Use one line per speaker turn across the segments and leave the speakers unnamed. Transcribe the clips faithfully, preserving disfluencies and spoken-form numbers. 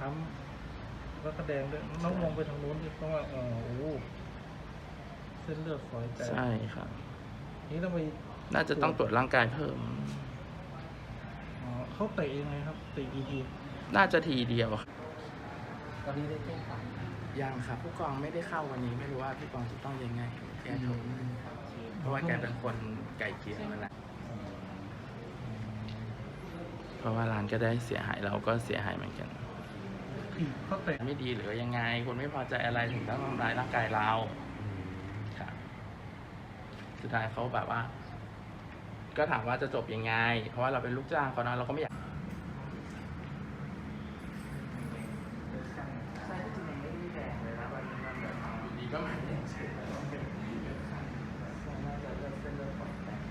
ค้ำแล้วก็แดงด้วยน้องมองไปทางโน้นดิเพราะว่าเออโอ้เส้นเลือดฝอยแตก
ใช่ครับ
นี่ต้องไป
น่าจะต้องตรวจร่างกายเพิ่ม
อ๋อเขาเตะยังไงครับเตะกี่ที
น่าจะทีเดียว
ตอนนี้ได้แจ้งความ
ยังครับผู้กองไม่ได้เข้าวันนี้ไม่รู้ว่าพี่กองจะต้องยังไงแกโทรเพราะว่าแกเป็นคนไก่เกลี่ยมาแล้วเพราะว่าร้านก็ได้เสียหายเราก็เสียหายเหมือนกัน
เขาเตะ
ไม่ดีหรือยังไงคนไม่พอใจอะไรถึงต้องทำร้ายร่างกายเราครับสุดท้ายเขาแบบว่าก็ถามว่าจะจบยังไงเพราะว่าเราเป็นลูกจ้างเขานะเราก็ไม่อยากใช่จริงๆไม่ได้แดงเลยนะวันนี้มันแบบอยู่ดีก็มาแดงเฉยน่าจะเลือดเส้นเลือดฝอยแตก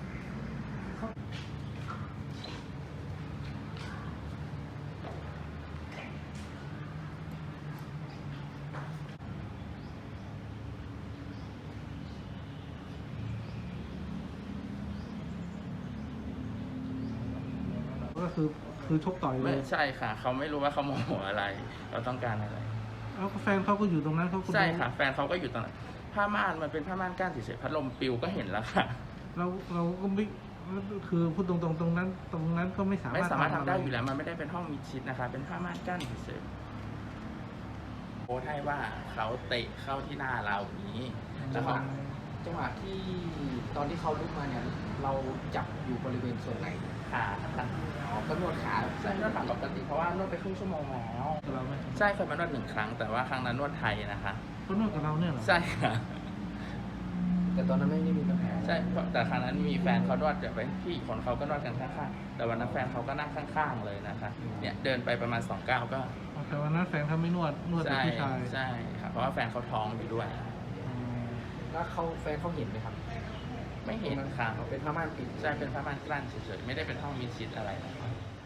ก็คือคือชกต่อยเล
ไม่
ย
ใช่ค่ะเขาไม่รู้ว่าเขาโมโหอะไรเราต้องการอะไร
แล้วแฟนเขาก็อยู่ตรงนั้นเขา
ใช่ค่ะแฟนเขาก็อยู่ตรงนั้นผ้าม่านมันเป็นผ้าม่านก้านเฉยๆพัดลมปิวก็เห็นแล้วค่ะ
เราเราก็ไม่คือพูดตรงๆตรงนั้น ตรงนั้นก็ไม่สามารถ
ไม่สามารถทำได้อยู่แล้วมันไม่ได้เป็นห้องมิดชิดนะคะเป็นผ้าม่านกั้นเฉยๆโพสให้ว่าเขาเตะเข้าที่หน้าเราอย่างนี้แล้วเขา
จังหวะที่ตอนที่เขาลุกมาเนี่ยเราจับอยู่บริเวณส่วนไหน
ขาค่ะ
อ๋อก็นวดขา
ใช่นวดขาปกติเพราะว่านวดไปครึ่งชั่วโมงแล้ว
เราไหม
ใช่เคยมานวดหนึ่งครั้งแต่ว่าครั้งนั้นนวดไทยนะคะ
เขานวดกับเราเนี่ยเหรอ
ใช่ค่ะ
แต่ตอนนั้นไม่ได้มีปัญหา
ใช่แต่ครั้งนั้นมีแฟนเขานวดเดี๋ยวไปพี่คนเขาก็นวดกันข้างๆแต่วันนั้นแฟนเขาก็นั่งข้างๆเลยนะคะเนี่ยเดินไปประมาณสองก้าวก็
แต่วันนั้นแฟนเขาไม่นวดนวดแต่ผู้ชาย
ใช่ค่ะเพราะว่าแฟนเขาท้องอยู่ด้วย
แล้วเขาแฟนเขาเห็นไหมครับ
ไม่เห็นค่ะ
เป็นผ้าม่านปิด
ใช่เป็นผ้าม่านกลั้นเฉยๆไม่ได้เป็นห้องมิดชิดอะไรนะครับ